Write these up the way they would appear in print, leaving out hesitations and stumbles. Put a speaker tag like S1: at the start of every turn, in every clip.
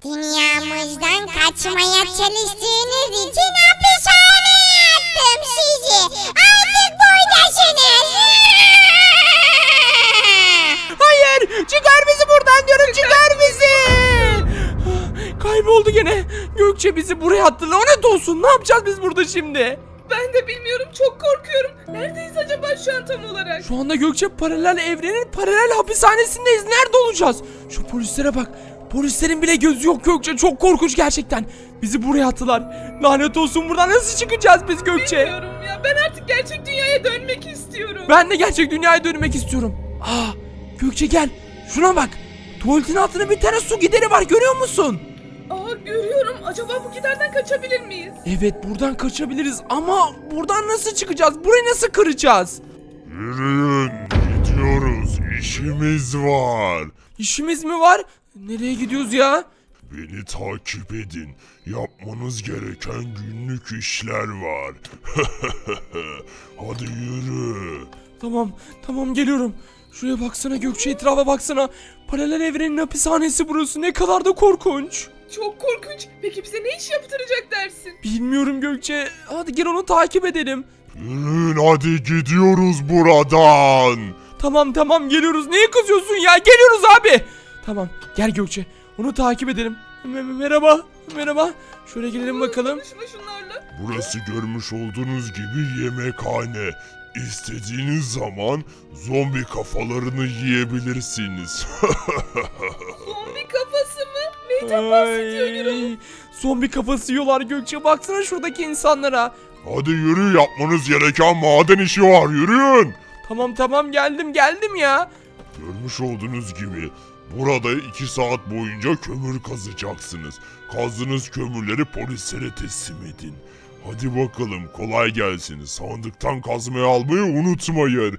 S1: Dünyamızdan kaçmaya çalıştığınız için hapishaneye attım sizi. Artık buradasınız.
S2: Hayır, çıkar bizi buradan diyorum, çıkar bizi. Kayboldu gene. Gökçe bizi buraya attı. Lanet olsun, ne yapacağız biz burada şimdi?
S3: Ben de bilmiyorum, çok korkuyorum. Neredeyiz acaba şu an tam olarak?
S2: Şu anda Gökçe paralel evrenin paralel hapishanesindeyiz. Nerede olacağız? Şu polislere bak. Polislerin bile gözü yok Gökçe. Çok korkunç gerçekten. Bizi buraya attılar. Lanet olsun, buradan nasıl çıkacağız biz Gökçe?
S3: Bilmiyorum ya, ben artık gerçek dünyaya dönmek istiyorum.
S2: Ben de gerçek dünyaya dönmek istiyorum. Gökçe gel. Şuna bak. Tuvaletin altında bir tane su gideri var, görüyor musun?
S3: Görüyorum. Acaba bu giderden kaçabilir miyiz?
S2: Evet, buradan kaçabiliriz ama buradan nasıl çıkacağız? Burayı nasıl kıracağız?
S4: Yürüyün, gidiyoruz. İşimiz var.
S2: İşimiz mi var? Nereye gidiyoruz ya?
S4: Beni takip edin. Yapmanız gereken günlük işler var. Hadi yürü.
S2: Tamam geliyorum. Şuraya baksana Gökçe, etrafa baksana. Paralel evrenin hapishanesi burası, ne kadar da korkunç.
S3: Çok korkunç. Peki bize ne iş yaptıracak dersin?
S2: Bilmiyorum Gökçe. Hadi gel onu takip edelim.
S4: Yürüyün, hadi gidiyoruz buradan.
S2: Tamam geliyoruz. Neye kızıyorsun ya? Geliyoruz abi. Tamam gel Gökçe. Onu takip edelim. Merhaba. Şöyle gidelim bakalım.
S3: Konuşma şunlarla.
S4: Burası görmüş olduğunuz gibi yemekhane. İstediğiniz zaman zombi kafalarını yiyebilirsiniz.
S3: Zombi kafası mı? Neyden bahsediyor Gürol?
S2: Zombi kafası yiyorlar Gökçe. Baksana şuradaki insanlara.
S4: Hadi yürü, yapmanız gereken maden işi var, yürüyün.
S2: Tamam geldim ya.
S4: Görmüş olduğunuz gibi burada 2 saat boyunca kömür kazacaksınız. Kazdığınız kömürleri polislere teslim edin. Hadi bakalım, kolay gelsin. Sandıktan kazmayı almayı unutmayın.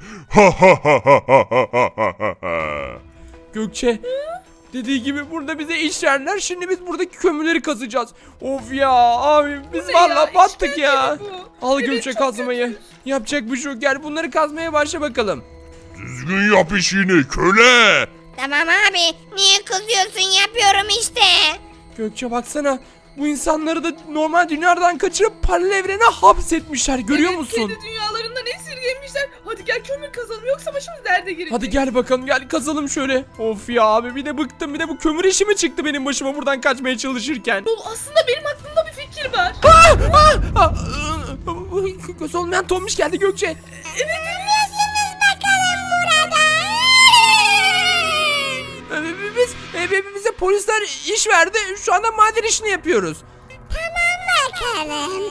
S2: Gökçe dediği gibi burada bize iş verdiler. Şimdi biz buradaki kömürleri kazacağız. Of ya abi, biz
S3: ne
S2: valla
S3: ya?
S2: battık
S3: İşkence
S2: ya.
S3: mi bu?
S2: Al
S3: Evet,
S2: Gökçe
S3: çok
S2: kazmayı.
S3: kötü.
S2: Yapacak bir şey yok. Gel bunları kazmaya başla bakalım.
S4: Düzgün yap işini köle.
S1: Tamam abi. Niye kızıyorsun? Yapıyorum işte.
S2: Gökçe baksana. Bu insanları da normal dünyadan kaçırıp paralel evrene hapsetmişler. Görüyor
S3: Evet,
S2: musun?
S3: kendi dünyalarından esirgemişler. Hadi gel kömür kazalım, yoksa başımız derde girecek.
S2: Hadi gel bakalım, gel kazalım şöyle. Of ya abi, bir de bıktım, bir de bu kömür işi mi çıktı benim başıma buradan kaçmaya çalışırken.
S3: Yol, aslında benim aklımda bir fikir var.
S2: Göz olmayan Tombiş geldi Gökçe.
S1: Biliyorsunuz bakalım burada.
S2: Bize polisler iş verdi. Şu anda maden işini yapıyoruz.
S1: Tamam bakalım.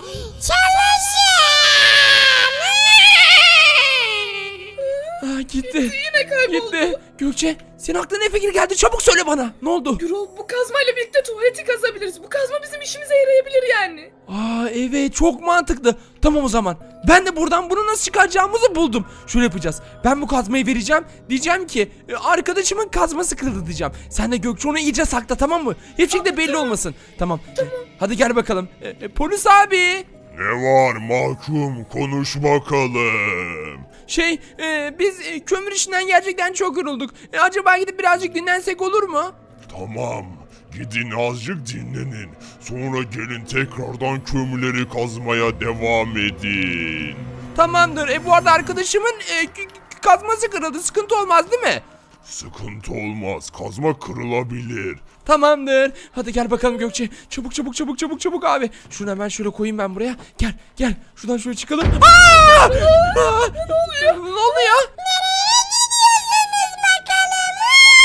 S1: Çalışın.
S2: Gitti.
S3: Yine kayboldu.
S2: Gitti. Gökçe, senin aklına ne fikir geldi? Çabuk söyle bana. Ne oldu?
S3: Gürol, bu kazmayla birlikte tuvaleti kazabiliriz. Bu kazma bizim işimize yarayabilir yani.
S2: Evet, çok mantıklı. Tamam o zaman. Ben de buradan bunu nasıl çıkaracağımızı buldum. Şöyle yapacağız. Ben bu kazmayı vereceğim. Diyeceğim ki arkadaşımın kazması kırıldı diyeceğim. Sen de Gökçe onu iyice sakla, tamam mı? Hiçbir şekilde belli olmasın. Tamam. Hadi gel bakalım. Polis abi.
S4: Ne var mahkum, konuş bakalım.
S2: Biz kömür işinden gerçekten çok yorulduk. Acaba gidip birazcık dinlensek olur mu?
S4: Tamam, gidin azıcık dinlenin. Sonra gelin tekrardan kömürleri kazmaya devam edin.
S2: Tamamdır. Bu arada arkadaşımın kazması kırıldı. Sıkıntı olmaz değil mi?
S4: Sıkıntı olmaz, kazma kırılabilir.
S2: Tamamdır. Hadi gel bakalım Gökçe. Çabuk abi. Şunu hemen şöyle koyayım ben buraya. Gel. Şuradan şöyle çıkalım. Ne oluyor? Ne oluyor?
S1: Nereye gidiyorsunuz bakalım?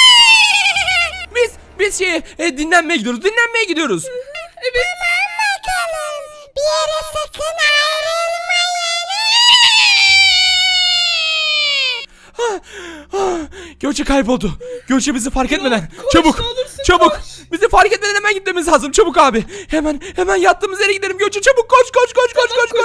S2: Biz dinlenmeye gidiyoruz.
S3: Evet.
S1: Tamam bakalım. Bir yere sakın ayrılmayın.
S2: Gökçe kayboldu. Gökçe bizi fark etmeden.
S3: koş,
S2: Çabuk.
S3: ne olursun
S2: Çabuk.
S3: koş.
S2: Bizi fark etmeden hemen gitmemiz lazım. Çabuk abi. Hemen yattığımız yere gidelim Gökçe. Çabuk koş.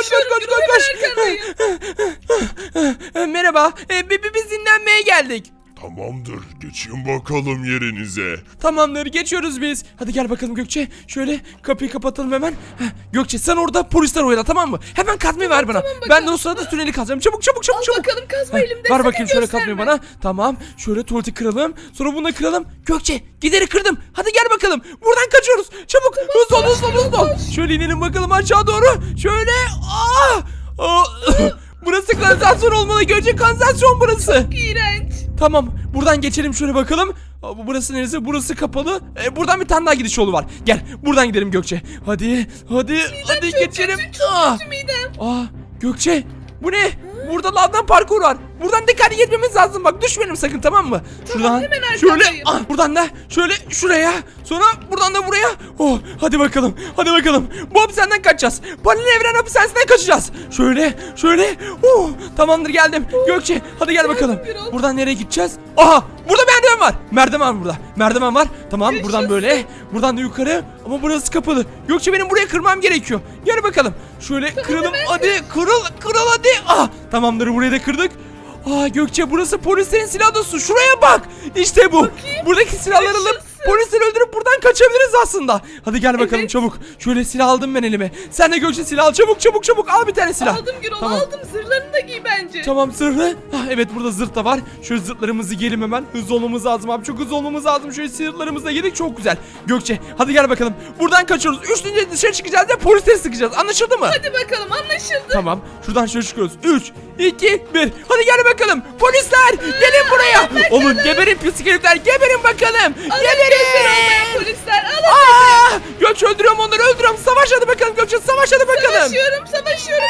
S3: Koşuyorum, Gürol, hemen arkandayım.
S2: Merhaba. Biz dinlenmeye geldik.
S4: Tamamdır. Geçin bakalım yerinize.
S2: Tamamdır, geçiyoruz biz. Hadi gel bakalım Gökçe. Şöyle kapıyı kapatalım hemen. Heh, Gökçe sen orada polisler oyala, tamam mı? Hemen kazmayı ver bana. Ben de o sırada tüneli kazacağım. Çabuk çabuk çabuk
S3: Al
S2: çabuk.
S3: bakalım kazma elimde.
S2: Ver
S3: sakın
S2: bakayım şöyle
S3: gösterme.
S2: kazmayı bana. Tamam. Şöyle tuvaleti kıralım. Sonra bunu da kıralım. Gökçe gideri kırdım. Hadi gel bakalım. Buradan kaçıyoruz. Çabuk. Hızlı ol hızlı ol hızlı ol. Şöyle inelim bakalım aşağı doğru. Şöyle. Burası kanalizasyon olmalı. Gökçe kanalizasyon burası.
S3: İğrenç.
S2: Tamam. Buradan geçelim şöyle bakalım. Burası neresi? Burası kapalı. Buradan bir tane daha gidiş yolu var. Gel. Buradan gidelim Gökçe. Hadi. Hadi
S3: Çok
S2: geçelim.
S3: kötü, çok kötü midem.
S2: Gökçe. Bu ne? Burada lavdan parkur var. Buradan dikkatli gitmemiz lazım. Bak düşmeyelim sakın, tamam mı? Şuradan
S3: hemen
S2: şöyle
S3: arkandayım.
S2: buradan da şöyle şuraya. Sonra buradan da buraya. Hadi bakalım. Hadi bakalım. Bu hapishaneden kaçacağız. Paralel evren hapishanesinden kaçacağız. Şöyle. Tamamdır geldim. Gökçe hadi gel bakalım.
S3: Gürol.
S2: Buradan nereye gideceğiz? Burada merdiven var. Merdiven burada. Merdiven var. Tamam buradan
S3: Yaşasın.
S2: böyle. Buradan da yukarı. Ama burası kapalı. Gökçe benim buraya kırmam gerekiyor. Gel bakalım. Şöyle kıralım. Hadi kırıl hadi. Tamamdır burayı da kırdık. Gökçe burası polislerin silah odası. Şuraya bak. İşte bu.
S3: Bakayım.
S2: Buradaki silahları alıp
S3: Yaşasın.
S2: polisleri öldürüp buradan kaçabiliriz aslında. Hadi gel bakalım
S3: Evet.
S2: çabuk. Şöyle silah aldım ben elime. Sen de Gökçe silah al. Çabuk al bir tane silah.
S3: Aldım Gürol
S2: Tamam.
S3: aldım. Zırhlarını da giy bence.
S2: Tamam zırhlı. Evet burada zırh da var. Şöyle zırhlarımızı giyelim hemen. Hızlı olmamız lazım abi. Çok hızlı olmamız lazım. Şöyle zırhlarımızı da giydik. Çok güzel. Gökçe hadi gel bakalım. Buradan kaçıyoruz. Üçüncü dışarı çıkacağız ve polisleri sıkacağız. Anlaşıldı mı?
S3: Hadi bakalım anlaşıldı.
S2: Tamam. Şuradan şöyle çıkıyoruz. 3, 2, 1. Hadi gel bakalım. Polisler gelin buraya. Oğlum geberin pis herifler. Geberin bakalım.
S3: Göster olmayan polisler alın.
S2: Gökçe öldürüyorum onları öldürüyorum. Savaş hadi bakalım Gökçe. Savaş hadi bakalım.
S3: Savaşıyorum.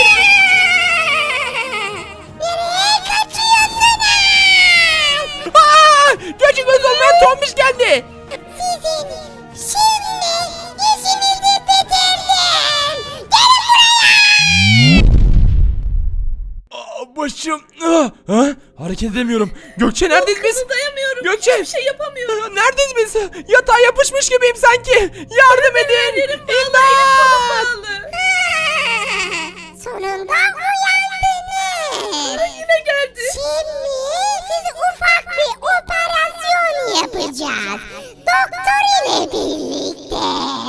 S2: Gökçe göz olmayan tombiş geldi. Başım. Hareket edemiyorum. Gökçe neredeyiz biz?
S3: Kımıldayamıyorum.
S2: Gökçe.
S3: Hiçbir şey yapamıyorum.
S2: Neredeyiz biz? Yatağa yapışmış gibiyim sanki. Yardım edin. İmdat.
S3: Bağlı.
S1: Sonunda uyandınız.
S3: Yine geldi.
S1: Şimdi size ufak bir operasyon yapacağız. Doktor ile birlikte.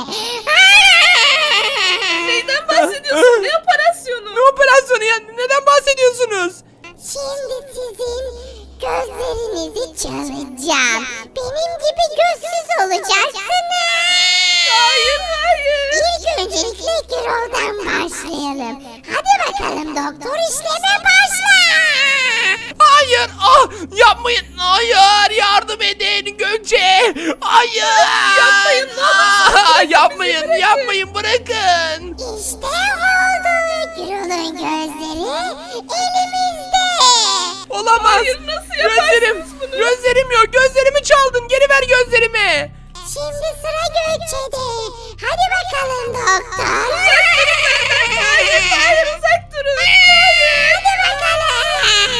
S3: Neyden bahsediyorsun? Ne operasyonu?
S2: Ne operasyonu ya? Neden bahsediyorsunuz?
S1: Şimdi sizin gözlerinizi çalacağım. Benim gibi gözsüz olacaksınız.
S3: Hayır.
S1: İlk öncelikle Gürol'dan başlayalım. Hadi bakalım doktor işleme başla.
S2: Hayır. Yapmayın. Hayır. Yardım edin Gökçe. Hayır.
S3: Yapmayın, ne olursunuz,
S2: Yapmayın.
S3: bizi
S2: Yapmayın. Bırakın.
S1: İşte oldu. Gürol'un gözleri elimizde.
S2: Olamaz.
S3: Hayır, nasıl yaparsınız
S2: Gözlerim.
S3: bunu?
S2: Gözlerim yok. Gözlerimi çaldın. Geri ver gözlerimi.
S1: Şimdi sıra Gökçe'de. Hadi bakalım doktor.
S3: Hayır uzak durun.
S1: Hadi bakalım.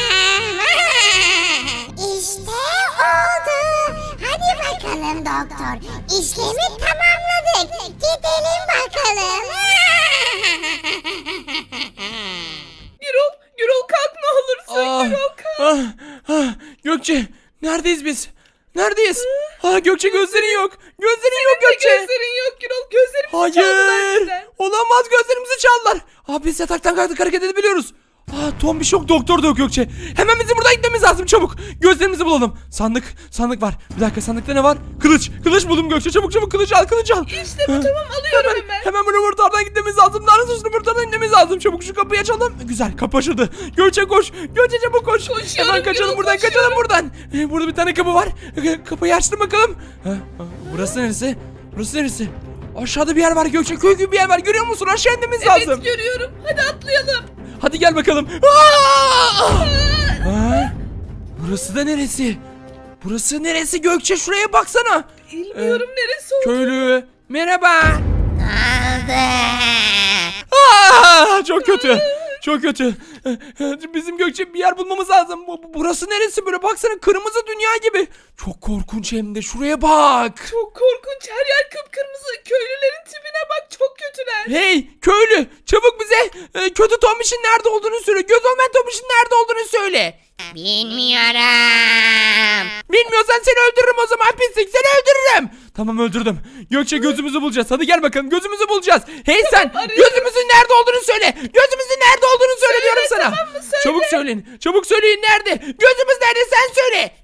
S1: İşte oldu. Hadi bakalım doktor. İşlemi tamamladık. Gidelim bakalım.
S3: Gürol kalk ne olursun. Gürol kalk.
S2: Gökçe. Neredeyiz biz? Neredeyiz? Gökçe gözlerin yok. Gözlerin yok Gökçe.
S3: Gözlerin yok Gürol. Gözlerimizi çaldılar
S2: Hayır.
S3: bizden.
S2: Olamaz gözlerimizi çaldılar. Biz yataktan kalktık hareket edebiliyoruz. Tombiş yok doktor da yok Gökçe. Hemen bizim buradan gitmemiz lazım çabuk. Gözlerimizi bulalım. Sandık var. Bir dakika sandıkta ne var? Kılıç buldum Gökçe. Çabuk kılıç al.
S3: İşte bu tamam alıyorum hemen.
S2: Hemen bu laboratuvardan gitmemiz lazım. Lanet laboratuvardan gitmemiz lazım. Çabuk şu kapıyı açalım. Güzel kapı açıldı. Gökçe koş. Gökçe çabuk koş.
S3: Koşuyorum,
S2: Hemen kaçalım
S3: Gürol,
S2: buradan
S3: koşuyorum.
S2: kaçalım buradan. Burada bir tane kapı var. Kapıyı açtım bakalım. Burası neresi? Burası neresi? Aşağıda bir yer var Gökçe. Köy gibi bir yer var. Görüyor musun? Aşağı inmemiz lazım.
S3: Evet görüyorum. Hadi atlayalım.
S2: Hadi gel bakalım. Burası da neresi? Burası neresi Gökçe? Şuraya baksana.
S3: Bilmiyorum neresi oldu.
S2: Köylü. Merhaba.
S1: Aldı.
S2: Çok kötü. Çok kötü. Bizim Gökçe bir yer bulmamız lazım. Burası neresi böyle? Baksana kırmızı dünya gibi. Çok korkunç hem de. Şuraya bak.
S3: Çok korkunç. Her yer kıpkırmızı. Köylülerin tipine bak. Çok kötüler.
S2: Hey köylü çabuk bize kötü Tombiş'in nerede olduğunu söyle. Göz olmayan Tombiş'in nerede olduğunu söyle.
S1: Bilmiyorum.
S2: Bilmiyorsan seni öldürürüm o zaman pislik, seni öldürürüm. Tamam öldürdüm. Gökçe gözümüzü bulacağız. Hadi gel bakalım gözümüzü bulacağız. Hey sen
S3: arıyorum.
S2: gözümüzün nerede olduğunu söyle. Gözümüzün nerede olduğunu söyle diyorum sana.
S3: tamam mı? Söyle.
S2: Çabuk söyleyin. Çabuk söyleyin nerede? Gözümüz nerede sen söyle.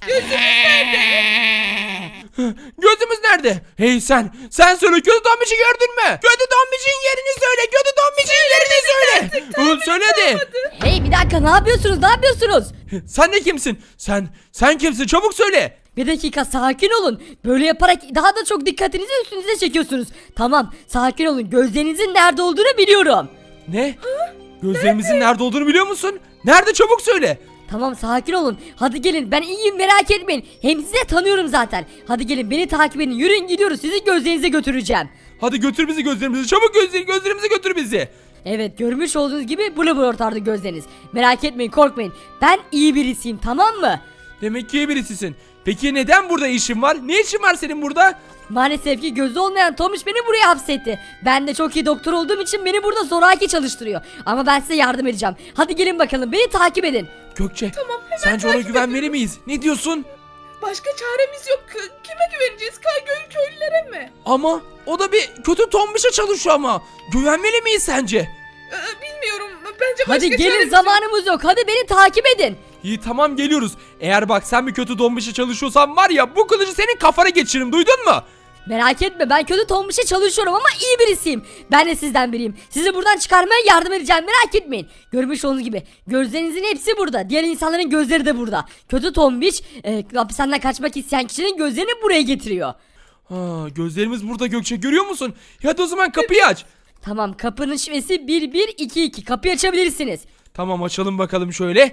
S2: Gözümüz nerede? Hey sen söyle kötü Tombiş'i gördün mü? Kötü Tombiş'in yerini söyle. Kötü Tombiş'in yerini söyle. Söyle hadi.
S5: Hey bir dakika, ne yapıyorsunuz? Ne yapıyorsunuz?
S2: Sen de kimsin? Sen kimsin? Çabuk söyle.
S5: Bir dakika, sakin olun. Böyle yaparak daha da çok dikkatinizi üstünüze çekiyorsunuz. Tamam, sakin olun. Gözlerinizin nerede olduğunu biliyorum.
S2: Ne? Gözlerimizin nerede olduğunu biliyor musun? Nerede çabuk söyle.
S5: Tamam, sakin olun. Hadi gelin, ben iyiyim, merak etmeyin. Hem sizi de tanıyorum zaten. Hadi gelin, beni takip edin. Yürüyün, gidiyoruz. Sizi gözlerinize götüreceğim.
S2: Hadi götür bizi gözlerimizi. Çabuk gözlerimizi götür bizi.
S5: Evet, görmüş olduğunuz gibi blur ortardı gözleriniz. Merak etmeyin, korkmayın. Ben iyi birisiyim, tamam mı?
S2: Demek ki iyi birisisin. Peki neden burada işin var? Ne işin var senin burada?
S5: Maalesef ki gözü olmayan Tomuş beni buraya hapsetti. Ben de çok iyi doktor olduğum için beni burada zoraki çalıştırıyor. Ama ben size yardım edeceğim. Hadi gelin bakalım, beni takip edin.
S2: Gökçe,
S3: Tamam, hemen
S2: sence ona
S3: takip
S2: güvenmeli miyiz? Ne diyorsun?
S3: Başka çaremiz yok. Kime güveneceğiz? Köylülere mi?
S2: Ama o da bir kötü Tombiş'e çalışıyor ama. Güvenmeli miyiz sence?
S3: Bilmiyorum. Bence başka
S5: Hadi gelin,
S3: çaremiz
S5: zamanımız yok. Hadi beni takip edin.
S2: İyi tamam geliyoruz. Eğer bak sen bir kötü Tombiş'e çalışıyorsan var ya bu kılıcı senin kafana geçiririm, duydun mu?
S5: Merak etme, ben kötü Tombiş'e çalışıyorum ama iyi birisiyim. Ben de sizden biriyim. Sizi buradan çıkarmaya yardım edeceğim, merak etmeyin. Görmüş olduğunuz gibi gözlerinizin hepsi burada. Diğer insanların gözleri de burada. Kötü Tombiş hapishaneden kaçmak isteyen kişinin gözlerini buraya getiriyor.
S2: Ha, gözlerimiz burada Gökçe, görüyor musun? Hadi o zaman kapıyı aç.
S5: Tamam, kapının şifresi 1122. Kapıyı açabilirsiniz.
S2: Tamam açalım bakalım şöyle.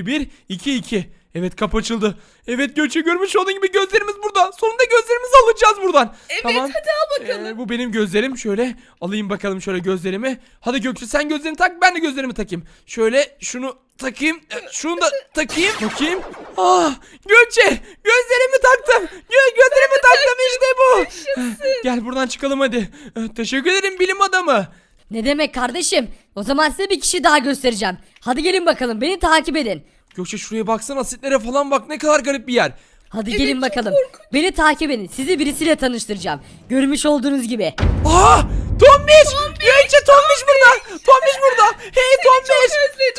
S2: 1122. Evet kapı açıldı. Evet Gökçe görmüş olduğun gibi gözlerimiz burada. Sonunda gözlerimizi alacağız buradan.
S3: Evet,
S2: tamam.
S3: hadi al bakalım.
S2: Bu benim gözlerim. Şöyle alayım bakalım şöyle gözlerimi. Hadi Gökçe sen gözlerini tak, ben de gözlerimi takayım. Şöyle şunu takayım. Şunu da takayım. Bakayım. Ah Gökçe gözlerimi taktım. Gözlerimi taktım işte bu. Gel buradan çıkalım hadi. Teşekkür ederim bilim adamı.
S5: Ne demek kardeşim? O zaman size bir kişi daha göstereceğim. Hadi gelin bakalım, beni takip edin.
S2: Gökçe şuraya baksana, asitlere falan bak, ne kadar garip bir yer.
S5: Hadi
S3: Evet,
S5: gelin
S3: çok
S5: bakalım.
S3: korkunç.
S5: Beni takip edin. Sizi birisiyle tanıştıracağım. Görmüş olduğunuz gibi.
S2: Aa! Tombiş! Gökçe Tombiş burada! Tombiş burada! Hey Tombiş!
S3: özledim,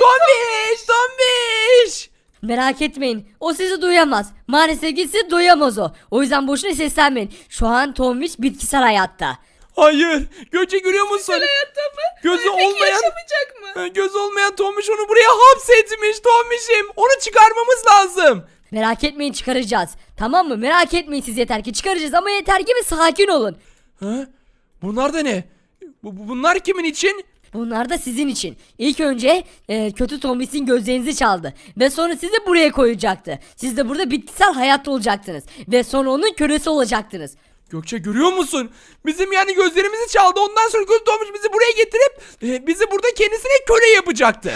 S2: Tombiş!
S5: Merak etmeyin. O sizi duyamaz. Maalesef ki sizi duyamaz o. O yüzden boşuna seslenmeyin. Şu an Tombiş bitkisel hayatta.
S2: Hayır! Gökçe görüyor musun?
S3: Hayatta mı?
S2: Gözü
S3: Peki
S2: olmayan-
S3: yaşamayacak mı?
S2: Göz olmayan Tombiş onu buraya hapsetmiş Tombiş'im. Onu çıkarmamız lazım.
S5: Merak etmeyin, çıkaracağız. Tamam mı? Merak etmeyin siz, yeter ki çıkaracağız ama yeter ki bir sakin olun.
S2: Ha? Bunlar da ne? Bunlar kimin için?
S5: Bunlar da sizin için. İlk önce kötü Tombiş'in gözlerinizi çaldı. Ve sonra sizi buraya koyacaktı. Siz de burada bitkisel hayatta olacaktınız. Ve sonra onun kölesi olacaktınız.
S2: Gökçe görüyor musun? Bizim yani gözlerimizi çaldı. Ondan sonra kötü Tombiş bizi buraya getirip bizi burada kendisine köle yapacaktı.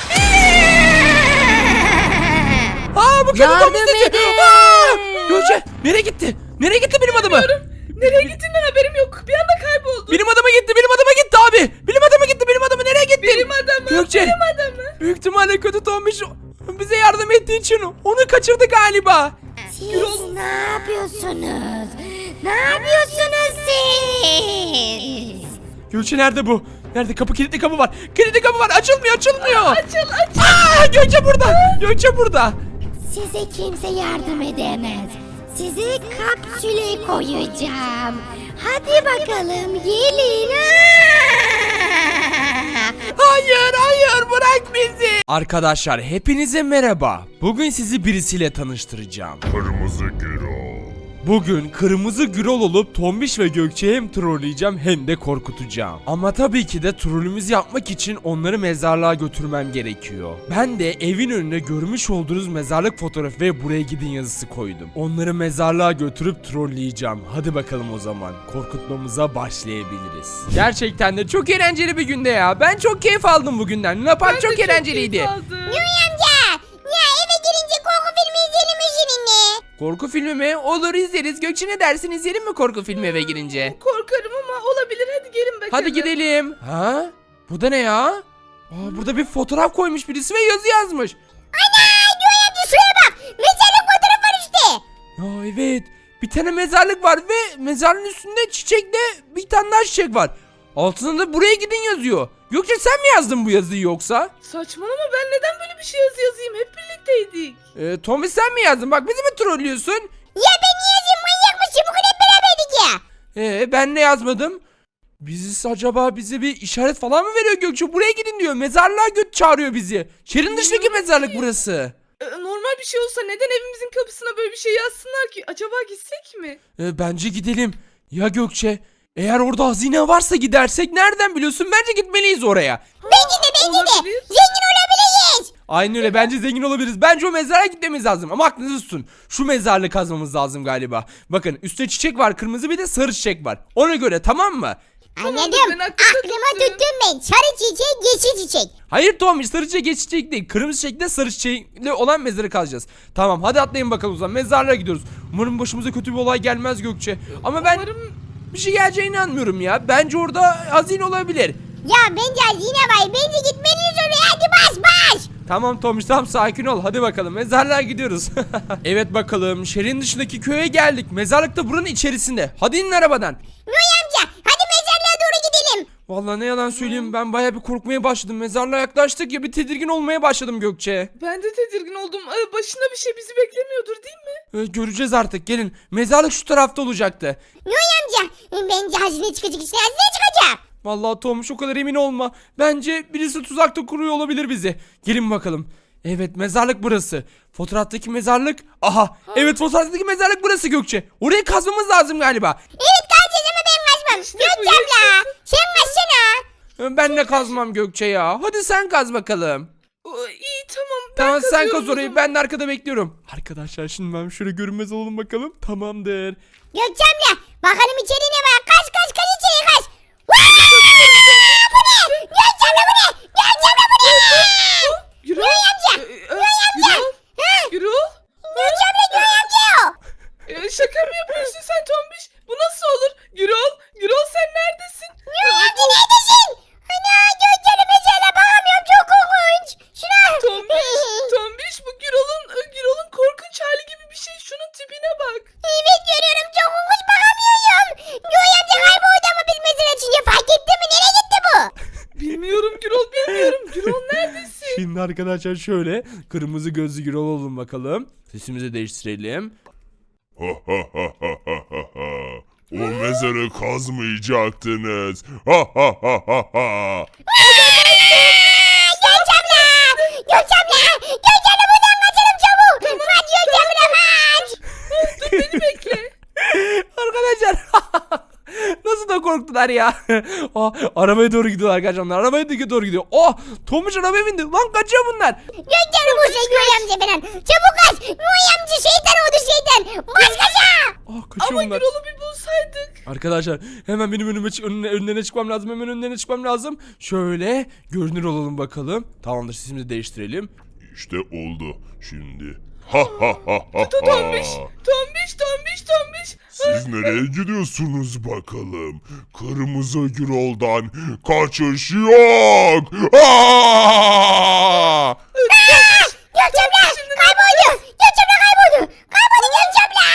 S2: Aa bu kötü
S5: Yardım
S2: Tombiş sesi.
S5: edin.
S2: Aa! Gökçe nereye gitti? Nereye gitti bilim adamı?
S3: Nereye gittiğinden haberim yok. Bir anda kayboldu.
S2: Bilim adamı gitti abi. Bilim adamı nereye gitti?
S3: Bilim adamı.
S2: Gökçe.
S3: Bilim adamı.
S2: Büyük ihtimalle kötü Tombiş bize yardım ettiği için onu kaçırdı galiba.
S1: Siz ne yapıyorsunuz? Ne yapıyorsunuz siz?
S2: Gökçe nerede bu? Nerede? Kilitli kapı var. Kilitli kapı var. Açılmıyor.
S3: Açıl.
S2: Aa, Gökçe burada. Gökçe burada.
S1: Size kimse yardım edemez. Sizi kapsüle koyacağım. Hadi bakalım gelin.
S2: Hayır bırak bizi. Arkadaşlar hepinize merhaba. Bugün sizi birisiyle tanıştıracağım.
S4: Kırmızı Gürol.
S2: Bugün kırmızı Gürol olup Tombiş ve Gökçe'yi hem trolleyeceğim hem de korkutacağım. Ama tabii ki de trollümüzü yapmak için onları mezarlığa götürmem gerekiyor. Ben de evin önüne görmüş olduğunuz mezarlık fotoğrafı ve buraya gidin yazısı koydum. Onları mezarlığa götürüp trolleyeceğim. Hadi bakalım o zaman korkutmamıza başlayabiliriz. Gerçekten de çok eğlenceli bir günde ya. Ben çok keyif aldım bugünden. Luna Park çok eğlenceliydi.
S1: Amca, ya eve girince korku filmi izleyelim mi seninle?
S2: Korku filmi mi? Olur izleriz. Gökçe ne dersin, izleyelim mi korku filmi eve girince?
S3: Korkarım ama olabilir. Hadi gelin bakalım.
S2: Hadi gidelim. Ha? Bu da ne ya? Aa, burada bir fotoğraf koymuş birisi ve yazı yazmış.
S1: Ana, Göğe amca şuraya bak.
S2: Ya evet. Bir tane mezarlık var ve mezarlığın üstünde çiçekle bir tane daha çiçek var. Altında da buraya gidin yazıyor. Gökçe sen mi yazdın bu yazıyı yoksa?
S3: Saçmalama, ben neden böyle bir şey yazayım? Hep birlikteydik.
S2: Tommy sen mi yazdın? Bak bizi mi trollüyorsun?
S1: Ya ben niye yazayım manyak mısın? Bugün hep beraberdik ya.
S2: Ben ne yazmadım? Acaba bize bir işaret falan mı veriyor Gökçe? Buraya gidin diyor. Mezarlığa çağırıyor bizi. Şehrin dışındaki
S3: Bilmiyorum
S2: mezarlık
S3: ki.
S2: burası.
S3: Normal bir şey olsa neden evimizin kapısına böyle bir şey yazsınlar ki? Acaba gitsek mi?
S2: Bence gidelim. Ya Gökçe, eğer orada hazine varsa gidersek nereden biliyorsun? Bence gitmeliyiz oraya.
S1: Bence de.
S3: Olabilir.
S1: Zengin olabiliriz.
S2: Aynen öyle, bence zengin olabiliriz. Bence o mezara gitmemiz lazım. Ama aklınızı tutun. Şu mezarlığı kazmamız lazım galiba. Bakın üstte çiçek var, kırmızı, bir de sarı çiçek var. Ona göre, tamam mı?
S1: Anladım.
S3: ben aklımda
S1: Aklıma
S3: tuttum.
S1: tuttum ben. Sarı çiçek, yeşil çiçek.
S2: Hayır Tommy, sarı çiçek geçici çiçek değil. Kırmızı çiçekle sarı çiçekle olan mezarı kazacağız. Tamam, hadi atlayın bakalım o zaman. Mezarlığa gidiyoruz. Umarım başımıza kötü bir olay gelmez Gökçe. Ama ben
S3: Umarım
S2: bir şey geleceğine inanmıyorum ya. Bence orada hazine olabilir.
S1: Ya bence yine var. Bence gitmeliyiz oraya. Hadi bas.
S2: Tamam Tomiş, tamam, sakin ol. Hadi bakalım mezarlığa gidiyoruz. Evet bakalım, şehrin dışındaki köye geldik. Mezarlık da buranın içerisinde. Hadi inin arabadan.
S1: Noy amca hadi mezarlığa doğru gidelim.
S2: Vallahi ne yalan söyleyeyim, ben baya bir korkmaya başladım. Mezarlığa yaklaştık ya, bir tedirgin olmaya başladım Gökçe.
S3: ben de tedirgin oldum. Başına bir şey bizi beklemiyordur değil mi?
S2: Göreceğiz artık, gelin. Mezarlık şu tarafta olacaktı.
S1: Noy amca bence hazine çıkacak işte. Hazine çıkacak.
S2: Vallahi Tomiş, o kadar emin olma. Bence birisi tuzakta kuruyor olabilir bizi. Gelin bakalım. Evet, mezarlık burası. Fotoğraftaki mezarlık. Aha, evet, fotoğraftaki mezarlık burası Gökçe. Orayı kazmamız lazım galiba.
S1: Evet kaçacağız ama ben kaçmam.
S3: İşte bu,
S1: Gökçe abla sen kaçsana.
S2: Ben de kazmam Gökçe ya. Hadi sen kaz bakalım.
S3: İyi tamam. Ben
S2: Tamam, sen
S3: kazıyorum
S2: kaz
S3: o
S2: orayı,
S3: zaman.
S2: ben de arkada bekliyorum. Arkadaşlar şimdi ben şöyle görünmez olalım bakalım. Tamamdır.
S1: Gökçe abla bakalım içeri ne var. Kaç içeri kaç. Bu ne? Gökçe abla bu ne? Gökçe abla bu ne?
S3: Gürol.
S1: Noy amca. Noy amca.
S3: Gürol. Gürol.
S1: Gökçe abla Noy amca o.
S3: Şaka mı yapıyorsun sen Tombiş? Bu nasıl olur? Gürol. Gürol sen neredesin?
S1: Noy amca neredesin? Ana Gökçe abla mezarlığa bakamıyorum. Çok korkunç. Şuna.
S3: Tombiş bu Gürol'un korkunç hali gibi bir şey. Şunun tipine bak.
S1: Evet görüyorum çok korkunç bakamıyorum. Noy amca kayboldu ama biz mezar açınca fark etti mi? Nereye gitti bu?
S3: Bilmiyorum Gürol, bilmiyorum. Gürol neredesin?
S2: Şimdi arkadaşlar şöyle kırmızı gözlü Gürol olun bakalım. Sesimizi değiştirelim.
S4: O mezarı kazmayacaktınız.
S1: Gökçe abla. Gökçe abla. Gökçe abla buradan kaçalım çabuk. Kaç Gökçe abla kaç.
S3: Dur beni bekle.
S2: Arkadaşlar nasıl da korktular ya. Arabaya doğru gidiyorlar arkadaşlar. Onlar arabaya doğru gidiyor. Tomuş arabaya bindi. Lan kaçıyor bunlar.
S1: Gökçe abla bu şey Noy amca falan. Çabuk kaç. Noy amca şeytan oldu şeytan. Baş kaça.
S2: Kaçıyor
S3: Ama
S2: bunlar.
S3: Gürol'u bir bulsaydık.
S2: Arkadaşlar hemen benim önlerine çıkmam lazım. Hemen önlerine çıkmam lazım. Şöyle görünür olalım bakalım. Tamamdır, sesimizi değiştirelim.
S4: İşte oldu şimdi.
S3: Tombiş.
S4: Siz nereye gidiyorsunuz bakalım? Kırmızı Gürol'dan kaçış yok.
S1: Gökçe abla kayboldu. Gökçe abla kayboldu. Kayboldu Gökçe abla.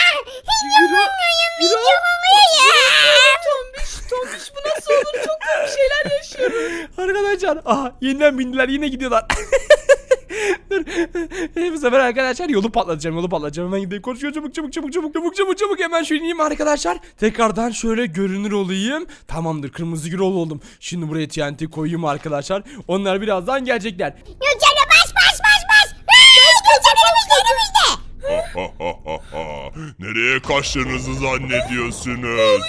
S3: Tombiş bu nasıl olur? Çok komik şeyler yaşıyorum.
S2: Arkadaşlar yeniden bindiler, yine gidiyorlar. Dur. Bu sefer arkadaşlar yolu patlatacağım. Hemen gideyim. Koşuyor, çabuk. Hemen şöyle ineyim arkadaşlar. Tekrardan şöyle görünür olayım. Tamamdır, kırmızı Gürol oldum. Şimdi buraya TNT koyayım arkadaşlar. Onlar birazdan gelecekler.
S1: Gökçe abla bas. Gökçe abla önümüzde.
S4: Nereye kaçtığınızı zannediyorsunuz?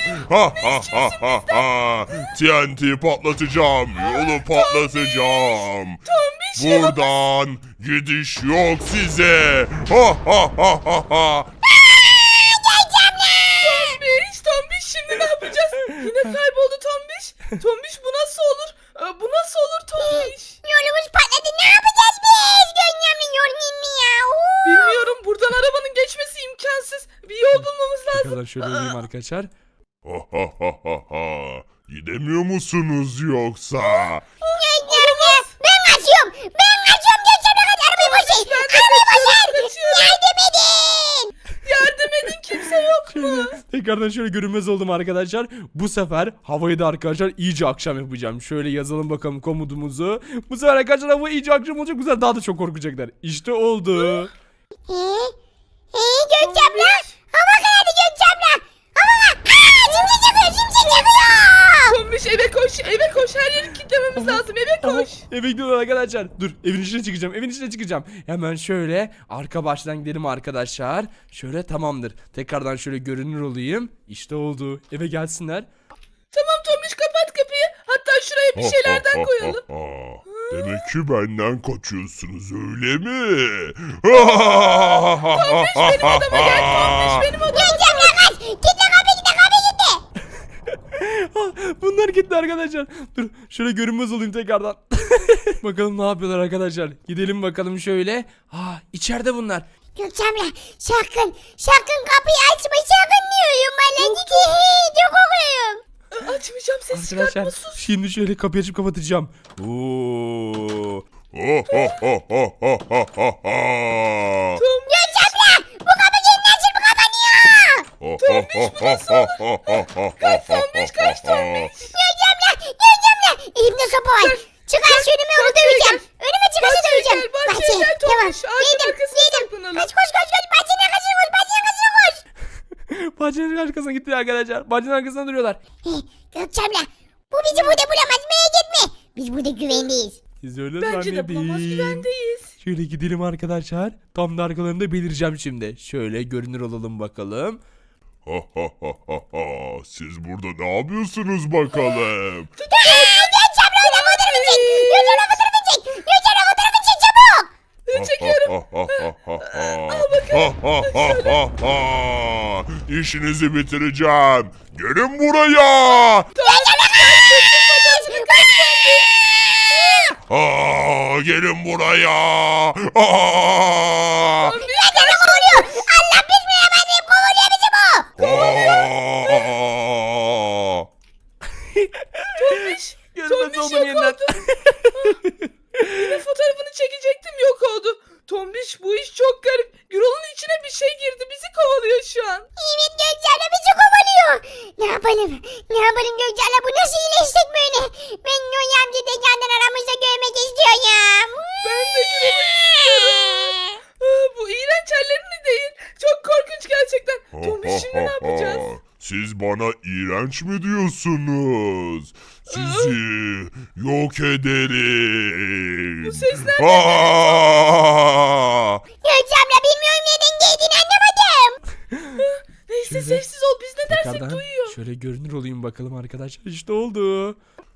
S4: TNT patlatacağım. Yolu patlatacağım. Buradan gidiş yok size.
S3: Tombiş şimdi ne yapacağız? Yine kayboldu Tombiş. Tombiş bu nasıl olur? Bu nasıl olur Tombiş?
S1: Yolumuz patladı. Ne yapacağız biz? Gökçe abla yol mi ya?
S3: Bilmiyorum, buradan arabanın geçmesi imkansız. Bir yol bulmamız lazım.
S2: Arkadaşlar şöyle olayım arkadaşlar.
S4: Gidemiyor musunuz yoksa?
S1: Gökçe abla ben kaçıyorum. Gökçe abla kaç. Arabayı boşayın. Yardım edin.
S3: Yardım edin.
S2: tekrardan şöyle görünmez oldum arkadaşlar. Bu sefer havayı da arkadaşlar iyice akşam yapacağım. Şöyle yazalım bakalım komutumuzu. Bu sefer arkadaşlar hava iyice akşam olacak. Bu sefer daha da çok korkacaklar. İşte oldu.
S1: Gökçe abla. Hava karardı Gökçe abla. Hava şimşek çakıyor şimşek çakıyor.
S3: Tombiş eve koş, eve koş. Her yeri kilitlememiz lazım. Eve koş.
S2: Eve gidiyorlar arkadaşlar. Dur evin içine çıkacağım. Evin içine çıkacağım. Hemen şöyle arka baştan gidelim arkadaşlar. Şöyle tamamdır. Tekrardan şöyle görünür olayım. İşte oldu. Eve gelsinler.
S3: Tamam Tombiş, kapat kapıyı. Hatta şuraya bir şeylerden koyalım.
S4: Demek ki benden kaçıyorsunuz öyle mi?
S3: Benim odama gel Tombiş, benim odama.
S1: Gökçe abla kaç. Kitle kapıyı kitle kapıyı kitle.
S2: Bunlar gitti arkadaşlar. Dur şöyle görünmez olayım tekrardan. Bakalım ne yapıyorlar arkadaşlar. Gidelim bakalım şöyle. İçeride bunlar.
S1: Gökçe abla sakın kapıyı açma sakın diyorum bana. Çok korkuyorum.
S3: Açmayacağım, ses
S2: Arkadaşlar
S3: çıkartma, sus.
S2: şimdi şöyle kapıyı açıp kapatacağım. Oo.
S1: Gökçe abla bu kapı kendi açıp kapanıyor.
S3: Kaç Tombiş.
S1: Gökçe abla elimde sopa var. Çıkar şu önüme onu döveceğim. Önüme çıkarsa döveceğim.
S3: Bahçeye gel
S1: Tamam
S3: Tombiş. Ağacın arkasına saklanalım.
S1: Koş bahçenin arkasına koş bahçenin arkasına koş.
S2: Bahçenin arkasına gitti arkadaşlar. Bahçenin arkasında duruyorlar.
S1: Gökçe abla bu bizi burada bulamaz merak etme. Biz burada güvendeyiz.
S2: Siz öyle
S3: Bence de bulamaz,
S2: zannedin.
S3: güvendeyiz.
S2: Şöyle gidelim arkadaşlar. Tam da arkalarında belireceğim şimdi. Şöyle görünür olalım bakalım.
S4: Siz burada ne yapıyorsunuz bakalım?
S1: Gökçe abla orada fotoğrafı çek. Gökçe abla fotoğrafı çek. Gökçe abla fotoğrafı çek çabuk.
S3: Çekiyorum.
S4: İşinizi bitireceğim. Gelin buraya. Gelin buraya.
S1: Gökçe abla kovuruyor. Allah bismillahirrahmanirrahim kovuruyor bizi bu.
S2: Görünmez
S3: Tombiş
S2: oldum
S3: yok
S2: yeniden.
S3: oldu. Yine fotoğrafını çekecektim, yok oldu. Tombiş, bu iş çok garip. Gürol'un içine bir şey girdi, bizi kovalıyor şu an.
S1: Evet Gökçe abla bizi kovalıyor. Ne yapalım? Ne yapalım Gökçe abla bu nasıl iyileşecek böyle? Ben Noy amca tekrardan aramızda görmek istiyorum.
S3: Ben de Gürol'u istiyorum. Bu iğrenç hallerini değil. Çok korkunç gerçekten. Tombiş, şimdi ne yapacağız?
S4: Siz bana iğrenç mi diyorsunuz? Sizi yok ederim.
S3: Bu ses nereden
S1: Gökçe abla bilmiyorum neden geldiğini anlamadım.
S3: Neyse,
S2: Şöyle
S3: sessiz ol, biz ne dersek
S2: Tekrardan
S3: duyuyor.
S2: şöyle görünür olayım bakalım arkadaşlar. İşte oldu.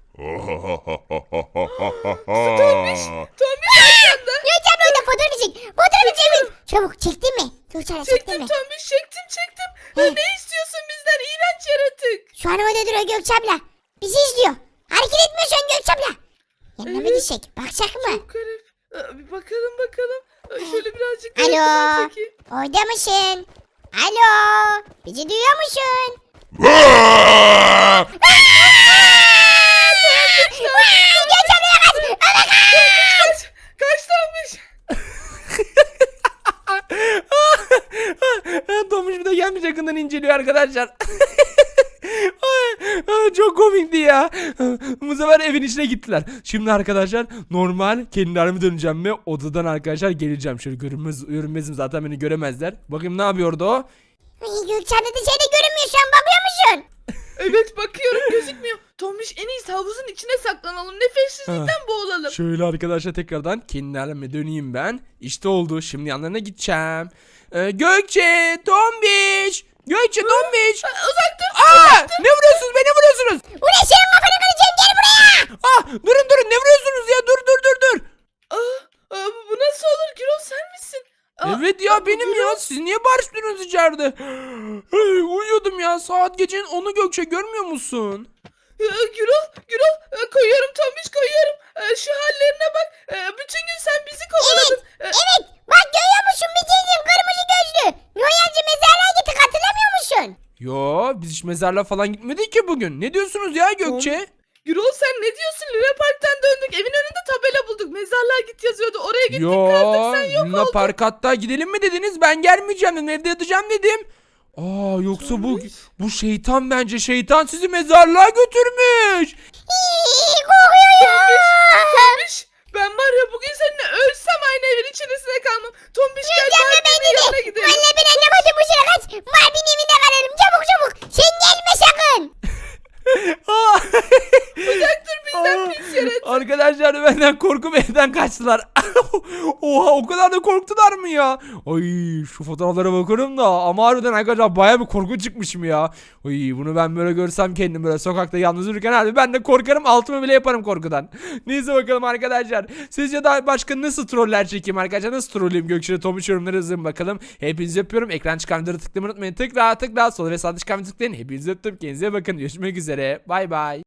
S3: Tombiş arkanda.
S1: Gökçe abla orada fotoğrafı çek. Fotoğrafı çevir. Çabuk çektin mi? Gökçe abla çektin
S3: Çektim
S1: mi?
S3: Tombiş, çektim. Ne istiyorsun bizden, iğrenç yaratık?
S1: Şu an orada duruyor Gökçe abla. Bizi izliyor. Hareket etmiyor şu an Gökçe abla. Yanına mı
S3: Evet.
S1: gidecek? Bakacak mı?
S3: Çok garip. Bir bakalım. Şöyle birazcık
S1: Alo.
S3: yakından çekeyim.
S1: Orada mısın? Alo. Bizi duyuyor musun? Gökçe ablaya kaç. Abla kaç.
S3: Kaç Tombiş.
S2: Tomuş bir de gelmiş yakından inceliyor arkadaşlar. Çok komikti ya. Bu sefer evin içine gittiler. Şimdi arkadaşlar normal kendi halime döneceğim ve odadan arkadaşlar geleceğim. Şöyle görünmezim zaten beni göremezler. Bakayım ne yapıyordu o?
S1: Ay, Gökçe abla dışarıda görünmüyor şu an bakıyor musun?
S3: Evet, bakıyorum, gözükmüyor. Tombiş, en iyisi havuzun içine saklanalım. Nefessizlikten boğulalım.
S2: Şöyle arkadaşlar tekrardan kendi halime döneyim ben. İşte oldu. Şimdi yanlarına gideceğim. Gökçe, Tombiş. Gökçe, Tombiş.
S3: Uzak dur.
S2: Ne vuruyorsunuz? Beni vuruyorsunuz.
S1: Ulan senin kafanı kıracağım gel buraya.
S2: Durun ne vuruyorsunuz ya? Dur.
S3: Bu nasıl olur? Gürol, sen misin?
S2: Evet ya benim ya. Siz niye bağırıştınız içeride? Uyuyordum ya. Saat gecenin 10'u Gökçe görmüyor musun?
S3: Gürol, koyuyorum Tombiş, koyuyorum. Şu hallerine bak. Bütün gün sen bizi kovaladın.
S1: Evet bak görüyor musun bir teyzem kırmızı gözlü. Noy amca mezarlığa gittik hatırlamıyor musun?
S2: Yo biz hiç mezarlığa falan gitmedik ki bugün. Ne diyorsunuz ya Gökçe?
S3: Gürol, sen ne diyorsun? Luna Park'tan döndük. Evin önünde tabela bulduk. Mezarlığa git yazıyordu. Oraya gittik, kazdık, sen yok
S2: Luna
S3: oldun.
S2: Park hatta gidelim mi dediniz? Ben gelmeyeceğim dedim. Evde yatacağım dedim. Aa yoksa
S3: Tombiş.
S2: bu şeytan bence. Şeytan sizi mezarlığa götürmüş.
S1: Korkuyorum.
S3: Tombiş ben var ya bugün seninle ölsem aynı evin içerisinde kalmam. Tombiş gel Barbie'nin yanına gidelim.
S1: Valla ben anlamadım bu sıra kaç. Barbie'nin evinde kalalım çabuk çabuk. Sen gelme sakın.
S2: Aa.
S3: Uzak dur bizden pis yaratık.
S2: Arkadaşlar benden korkup evden kaçtılar. Oha o kadar da korktular mı ya? Ay şu fotoğraflara bakarım da ama harbiden arkadaşlar baya bir korku çıkmışım ya. Ay bunu ben böyle görsem kendim böyle sokakta yalnız yürürken abi ben de korkarım, altımı bile yaparım korkudan. Neyse bakalım arkadaşlar. Sizce daha başka nasıl troller çekeyim arkadaşlar? Nasıl trolleyim Gökçe'de Tomuş yorumları yazın bakalım. Hepinizi öpüyorum. Ekran çıkan videoları tıklamayı unutmayın. Tıkla sol ve sağ çıkan tıklayın. Hepinizi öptüm. Kendinize bakın. Görüşmek üzere. Bay bay.